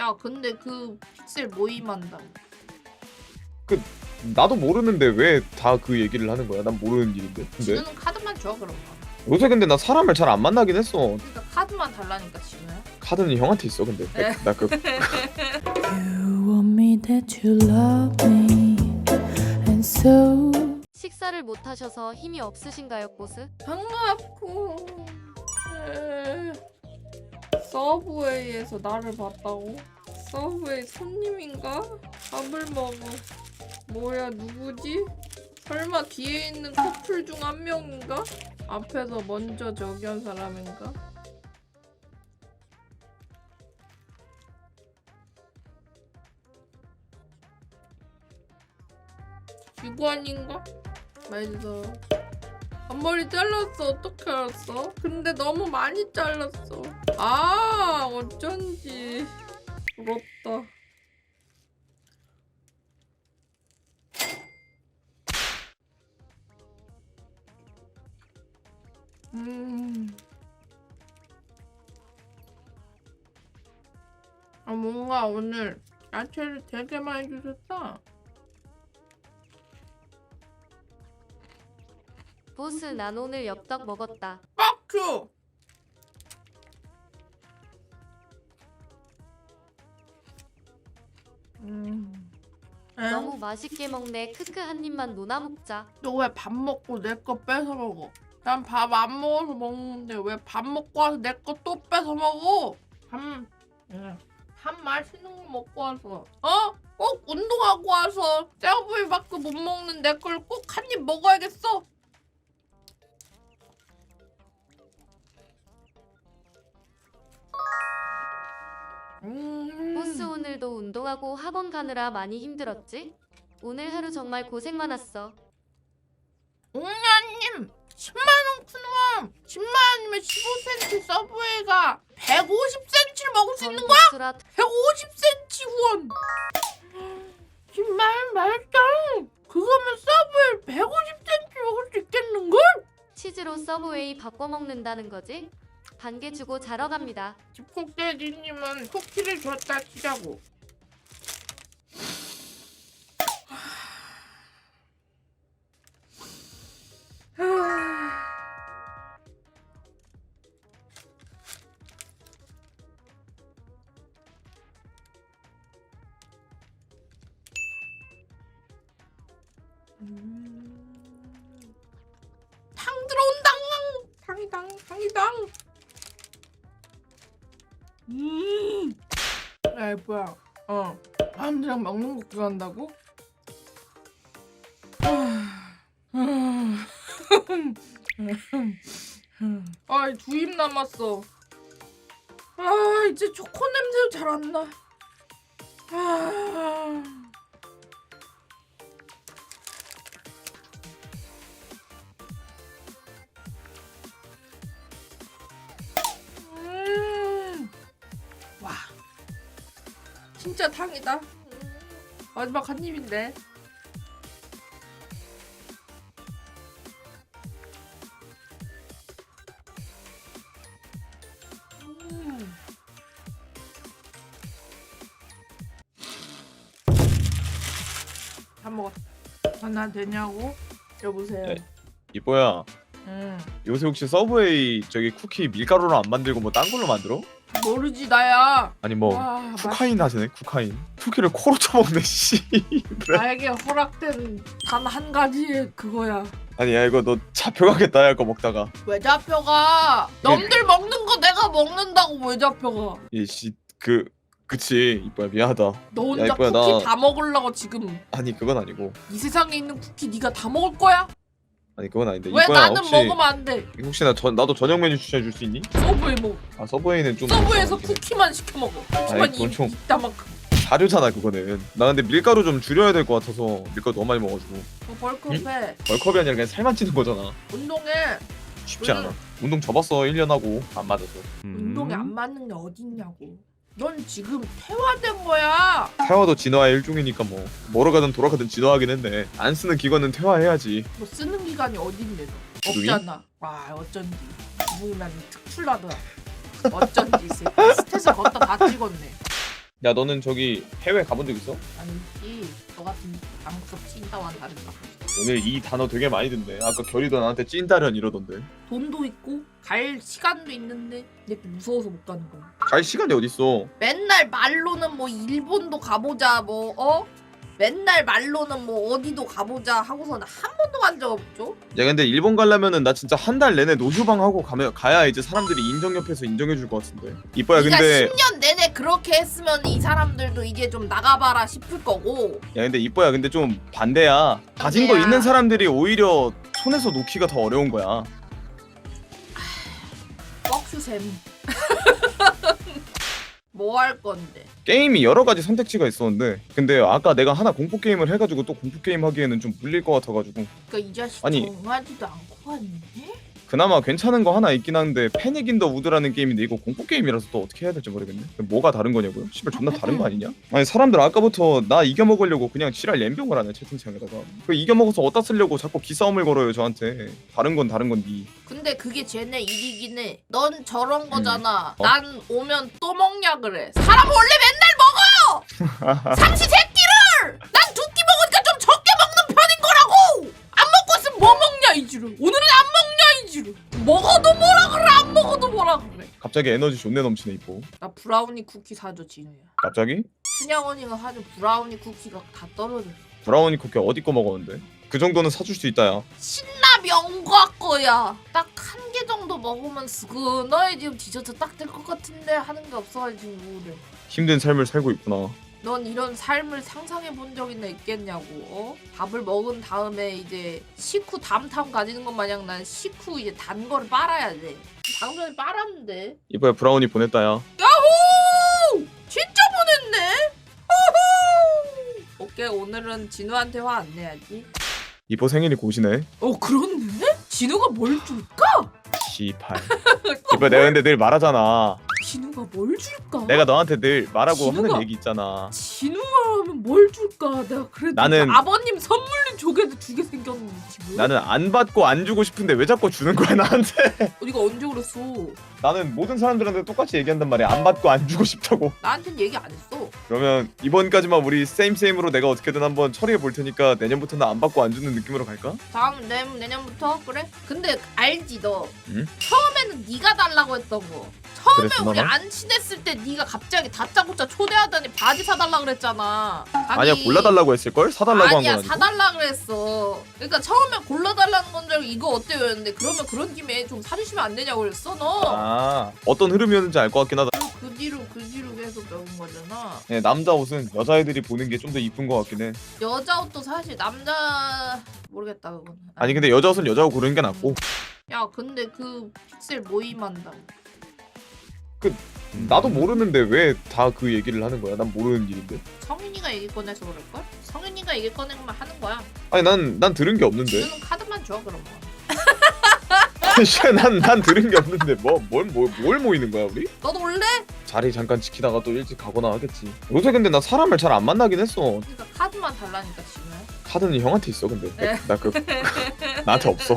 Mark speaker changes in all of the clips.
Speaker 1: 야 근데 그 픽셀 모임한다.
Speaker 2: 나도 모르는데 왜 다 그 얘기를 하는 거야? 난 모르는 일인데. 근데
Speaker 1: 진우는 카드만 줘 그럼.
Speaker 2: 요새 근데 나 사람을 잘 안 만나긴 했어.
Speaker 1: 그러니까 카드만 달라니까 진우야.
Speaker 2: 카드는 형한테 있어. 근데 나그
Speaker 3: You want me that you love me and so
Speaker 4: 식사를 못 하셔서 힘이 없으신가요, 보스?
Speaker 1: 반갑고. 서브웨이에서 나를 봤다고? 서브웨이 손님인가? 밥을 먹어. 뭐야 누구지? 설마 뒤에 있는 커플 중 한 명인가? 앞에서 먼저 저기 한 사람인가? 직원인가? 맞아. 앞머리 잘랐어. 어떻게 알았어? 근데 너무 많이 잘랐어. 아 어쩐지 부럽다. 아 뭔가 오늘 야채를 되게 많이 주셨다.
Speaker 4: 보스, 난 오늘 엽떡 먹었다.
Speaker 1: 빡큐!
Speaker 4: 너무 맛있게 먹네. 크크, 한 입만 노나 먹자.
Speaker 1: 너 왜 밥 먹고 내 거 뺏어 먹어? 난 밥 안 먹어서 먹는데 왜 밥 먹고 와서 내 거 또 뺏어 먹어? 밥 맛있는 거 먹고 와서 꼭 운동하고 와서 셀프밖에 못 먹는 내 걸 꼭 한 입 먹어야겠어?
Speaker 4: 보스, 오늘도 운동하고 학원 가느라 많이 힘들었지? 오늘 하루 정말 고생 많았어.
Speaker 1: 옹냐님 10만원 푸놈 10만원이면 15cm 서브웨이가 150cm를 먹을 수 있는 거야?
Speaker 4: 보스라
Speaker 1: 150cm 후원 10만원 말짱 그거면 서브웨이 150cm 먹을 수 있겠는걸?
Speaker 4: 치즈로 서브웨이 바꿔 먹는다는 거지? 반개 주고 자러 갑니다.
Speaker 1: 집콕대디님은 쿠키를 줬다 치자고. 탕 들어온다. 탕이당. 야 뭐야? 사람들이랑 먹는 거 그거 한다고? 아, 두 입 남았어. 아, 이제 초코 냄새도 잘 안 나. 와, 진짜 탕이다. 마지막 한 입인데. 다 먹었다. 하나 되냐고? 여보세요.
Speaker 2: 야, 이뻐야. 요새 혹시 서브웨이 저기 쿠키 밀가루로 안 만들고 뭐 딴 걸로 만들어?
Speaker 1: 모르지 나야.
Speaker 2: 아니 뭐
Speaker 1: 와,
Speaker 2: 쿠카인 하시네. 쿠카인. 쿠키를 코로 쳐먹네 씨. 그래?
Speaker 1: 나에게 허락된 단 한 가지의 그거야.
Speaker 2: 아니 야 이거 너 잡혀가겠다 야 거 먹다가.
Speaker 1: 왜 잡혀가? 남들 먹는 거 내가 먹는다고 왜 잡혀가?
Speaker 2: 이씨 그치 이뻐야 미안하다.
Speaker 1: 너 혼자
Speaker 2: 이뻐야,
Speaker 1: 쿠키
Speaker 2: 나-
Speaker 1: 다 먹으려고 지금
Speaker 2: 아니 그건 아니고.
Speaker 1: 이 세상에 있는 쿠키 네가 다 먹을 거야?
Speaker 2: 아니 그건 아닌데.
Speaker 1: 왜
Speaker 2: 이뻐야
Speaker 1: 나는
Speaker 2: 혹시
Speaker 1: 먹으면 안 돼?
Speaker 2: 혹시 나도 저녁 메뉴 추천해 줄 수 있니?
Speaker 1: 서브웨이 먹.
Speaker 2: 아 서브웨이는 좀
Speaker 1: 서브웨이에서
Speaker 2: 그렇긴 해.
Speaker 1: 쿠키만 시켜 먹어. 쿠키만
Speaker 2: 아이, 그건 좀-
Speaker 1: 이따만큼.
Speaker 2: 사료잖아 그거는. 나 근데 밀가루 좀 줄여야 될 것 같아서 밀가루 너무 많이 먹어가지고.
Speaker 1: 너 벌크업해.
Speaker 2: 벌컵이 아니라 그냥 살만 찌는 거잖아.
Speaker 1: 운동해.
Speaker 2: 쉽지 않아. 운동 접었어 1년 하고 안 맞아서.
Speaker 1: 운동에 안 맞는 게 어딨냐고. 넌 지금 퇴화된 거야.
Speaker 2: 태화도 진화의 일종이니까 뭐 뭐로 가든 돌아가든 진화하긴 했네. 안 쓰는 기관은 퇴화해야지.
Speaker 1: 뭐 쓰는 기간이 어딘데 너.
Speaker 2: 기둥이?
Speaker 1: 없잖아. 와 어쩐지. 기분이 난 특출나더라. 어쩐지 이 새끼. 스탯을 걷다 다 찍었네.
Speaker 2: 야 너는 저기 해외 가본 적 있어?
Speaker 1: 아니지. 너 같은 방석 찐따와는 다르다.
Speaker 2: 오늘 이 단어 되게 많이 듣네. 아까 결이도 나한테 찐따련 이러던데.
Speaker 1: 돈도 있고 갈 시간도 있는데 근데 무서워서 못 가는 거야.
Speaker 2: 갈 시간이 어딨어.
Speaker 1: 맨날 말로는 뭐 일본도 가보자 뭐 맨날 말로는 뭐 어디도 가보자 하고서는 한 번도 간 적 없죠?
Speaker 2: 야 근데 일본 가려면은 나 진짜 한 달 내내 노휴방 하고 가야 이제 사람들이 인정 옆에서 인정해줄 것 같은데. 이뻐야
Speaker 1: 그러니까
Speaker 2: 근데
Speaker 1: 10년 내내 그렇게 했으면 이 사람들도 이제 좀 나가봐라 싶을 거고.
Speaker 2: 야 근데 이뻐야 근데 좀 반대야. 가진 거
Speaker 1: 반대야.
Speaker 2: 있는 사람들이 오히려 손에서 놓기가 더 어려운 거야.
Speaker 1: 뻑큐샘. 뭐 할 건데?
Speaker 2: 게임이 여러 가지 선택지가 있었는데 근데 아까 내가 하나 공포 게임을 해가지고 또 공포 게임 하기에는 좀 물릴 것 같아가지고
Speaker 1: 그러니까 이 자식
Speaker 2: 아니.
Speaker 1: 정하지도 않고 왔네?
Speaker 2: 그나마 괜찮은 거 하나 있긴 한데 패닉 인 더 우드라는 게임인데 이거 공포 게임이라서 또 어떻게 해야 될지 모르겠네. 뭐가 다른 거냐고요? 씨발 존나 다른 거 아니냐? 아니 사람들 아까부터 나 이겨먹으려고 그냥 지랄 연병을 하네 채팅창에다가. 그 이겨먹어서 어디다 쓰려고 자꾸 기싸움을 걸어요 저한테. 다른 건 니.
Speaker 1: 근데 그게 쟤네 일이긴 해. 넌 저런 거잖아.
Speaker 2: 어?
Speaker 1: 난 오면 또 먹냐 그래. 사람 원래 맨날 먹어요! 삼시세끼를! 난 두 끼 먹으니까 좀 적게 먹는 편인 거라고! 안 먹고 있으면 뭐 먹냐 이지루. 오늘은 안 먹냐 이지루. 먹어도 뭐라 그래 안 먹어도 뭐라 그래.
Speaker 2: 갑자기 에너지 존내 넘치네 이뻐.
Speaker 1: 나 브라우니 쿠키 사줘 진우야.
Speaker 2: 갑자기?
Speaker 1: 순양언니가 사준 브라우니 쿠키가 다 떨어졌어.
Speaker 2: 브라우니 쿠키 어디 거 먹었는데? 그 정도는 사줄 수 있다 야.
Speaker 1: 신라 명과 거야. 딱 한 개 정도 먹으면 스근어에 지금 디저트 딱 될 것 같은데 하는 게 없어가지고 그래.
Speaker 2: 힘든 삶을 살고 있구나.
Speaker 1: 넌 이런 삶을 상상해 본 적이나 있겠냐고. 밥을 먹은 다음에 이제 식후 담탐 가지는 것 마냥 난 식후 이제 단 거를 빨아야 돼. 방금 전에 빨았는데.
Speaker 2: 이뻐야 브라우니 보냈다 야.
Speaker 1: 야호! 진짜 보냈네. 호호! 오케이 오늘은 진우한테 화 안 내야지.
Speaker 2: 이뻐 생일이 곧이네.
Speaker 1: 그렇네? 진우가 뭘 줄까?
Speaker 2: 씨발. 이뻐 내가 근데 늘 말하잖아.
Speaker 1: 진우가 뭘 줄까?
Speaker 2: 내가 너한테 늘 말하고
Speaker 1: 진우가-
Speaker 2: 하는 얘기 있잖아.
Speaker 1: 진우가 하면 뭘 줄까? 내가 그래도
Speaker 2: 나는-
Speaker 1: 아버님 선물로 조개도 2개 생겼는데 지금.
Speaker 2: 나는 안 받고 안 주고 싶은데 왜 자꾸 주는 거야 나한테?
Speaker 1: 네가 언제 그랬어?
Speaker 2: 나는 모든 사람들한테 똑같이 얘기한단 말이야. 안 받고 안 주고 싶다고.
Speaker 1: 나한텐 얘기 안 했어.
Speaker 2: 그러면 이번까지만 우리 세임으로 내가 어떻게든 한번 처리해 볼 테니까 내년부터는 안 받고 안 주는 느낌으로 갈까?
Speaker 1: 다음 내년부터 그래? 근데 알지 너?
Speaker 2: 응?
Speaker 1: 처음에는 네가 달라고 했던 거. 처음에
Speaker 2: 그랬었나
Speaker 1: 우리
Speaker 2: 봐?
Speaker 1: 안 친했을 때 네가 갑자기 다짜고짜 초대하더니 바지 사달라 그랬잖아.
Speaker 2: 아니야 골라달라고 했을걸? 사달라고 한 건
Speaker 1: 아니야
Speaker 2: 아니고.
Speaker 1: 사달라 그랬어. 그러니까 처음에 골라달라는 건 줄 알고 이거 어때요 했는데 그러면 그런 김에 좀 사주시면 안 되냐고 그랬어 너.
Speaker 2: 아 어떤 흐름이었는지 알 것 같긴 하다.
Speaker 1: 그 뒤로 계속 배운 거잖아.
Speaker 2: 네, 남자 옷은 여자애들이 보는 게 좀 더 이쁜 것 같긴 해.
Speaker 1: 여자 옷도 사실 남자 모르겠다 그건.
Speaker 2: 아니 근데 여자 옷은 여자가 고르는 게 낫고.
Speaker 1: 야 근데 그 픽셀 모임한다고.
Speaker 2: 나도 모르는데 왜 다 그 얘기를 하는 거야? 난 모르는 일인데.
Speaker 1: 성윤이가 얘기 꺼내서 그럴걸? 성윤이가 얘기 꺼내면 하는 거야.
Speaker 2: 아니 난 들은 게 없는데.
Speaker 1: 너는 카드만 줘 그럼 뭐.
Speaker 2: 난 들은 게 없는데 뭘 모이는 거야 우리?
Speaker 1: 너도 올래?
Speaker 2: 자리 잠깐 지키다가 또 일찍 가거나 하겠지. 요새 근데 나 사람을 잘 안 만나긴 했어.
Speaker 1: 그러니까 카드만 달라니까 지금.
Speaker 2: 카드는 형한테 있어 근데.
Speaker 1: 네.
Speaker 2: 나 나한테 없어.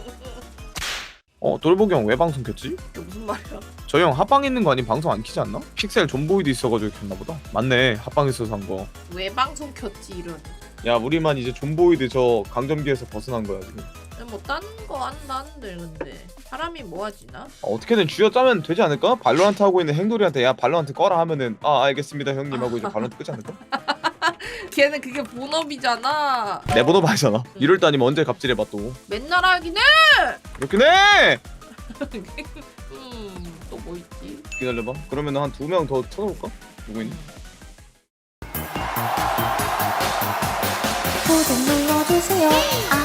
Speaker 2: 돌보기 형 왜 방송 켰지?
Speaker 1: 그게 무슨 말이야?
Speaker 2: 저희 형 합방 있는 거 아닌 방송 안 키지 않나? 픽셀 존보이도 있어가지고 켰나 보다. 맞네 합방 있어서 한 거.
Speaker 1: 왜 방송 켰지 이런.
Speaker 2: 야 우리만 이제 존보이드 저 강점기에서 벗어난 거야 지금.
Speaker 1: 뭐 다른 거 한다는데 근데 사람이 뭐 하지나?
Speaker 2: 어떻게든 쥐어짜면 되지 않을까? 발로란트 하고 있는 행돌이한테 야 발로란트 꺼라 하면은 아 알겠습니다 형님 하고 이제 발로란트 끄지 않을까?
Speaker 1: 걔는 그게 본업이잖아.
Speaker 2: 내 번호 봐잖아. 이럴 때 아니면 언제 갑질해봐 또.
Speaker 1: 맨날 하긴 해.
Speaker 2: 그렇긴 해!
Speaker 1: 또 뭐 있지?
Speaker 2: 기다려봐. 그러면 한 2명 더 찾아볼까? 누구 있니?
Speaker 5: 구독 눌러주세요.